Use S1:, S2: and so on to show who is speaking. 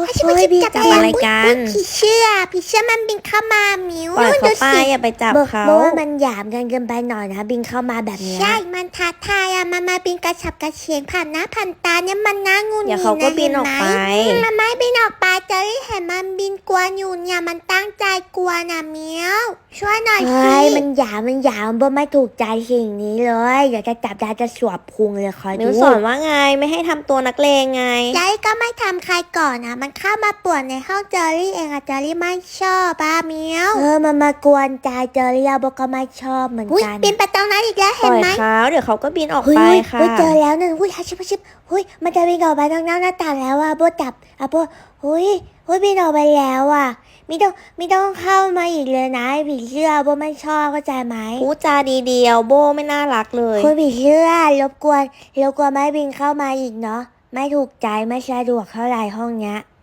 S1: เฮ้ยพี่จับอะไรกัน
S2: ผีเชื่อมันบินเข้ามามิว
S1: ปล่อยเขาไปอย่าไปจับเขา
S2: บอกว่ามันหยามกันเกินไปหน่อยนะบินเข้ามาแบบนี้
S3: ใช่มันท้าทายอะมันมาบินกระฉับกระเฉงผ่านหน้าผ่านตาเนี่ยมันน่างุน
S1: เดี๋ยว
S3: งิด
S1: เขาก็
S3: นะ
S1: บินออกไป
S3: มันไม่บินออกไปเจอรี่เห็นมันบินกวนอยู่เนี่ยมันตั้งใจกวนนะเมียวช่วยหน่อย
S2: เฮ้
S3: สิ
S2: ยมันหยามบ่ไม่ถูกใจสิ่งนี้เลยเดี๋ยวจะจับได้จะสวบพุงเลยคอย
S1: มิ
S2: ดู
S1: วสอนว่าไงไม่ให้ทำตัวนักเลงไง
S3: เจอรี่ก็ไม่ทำใครก่อนนะมันเข้ามาป่วนในห้องเจอรี่เองอะเจอรี่ไม่ชอบป้าเมียว
S2: มันมากวนใจเจอเรียบก็ไม่ชอบเหมือน
S3: อุ้ย
S2: กัน
S3: บินไปตรงนั้นอีกแล้ว
S1: ป
S3: เห็
S1: ล่
S3: น
S1: อย
S3: ไหม
S1: เขาเดี๋ยวเขาก็บินออก
S2: เฮ้ย
S1: ไป
S2: เฮ้ย
S1: ค่ะ
S2: เฮ้ยเจอแล้วนั่นหุ้ยฮัชิบเฮ้ยมันจะบินออกไปทางหน้าต่างแล้วโบจับโบเฮ้ยบินออกไปแล้วไม่ต้องเข้ามาอีกเลยนะผีเชื่อโบไม่ชอบเข้าใจไหม
S1: พูดจาดีเดียวโบไม่น่ารักเลย
S2: คุณผีเชื่อรบกวนไม่บินเข้ามาอีกเนาะไม่ถูกใจไม่สะดวกเท่าไหร่ห้องเนี้ย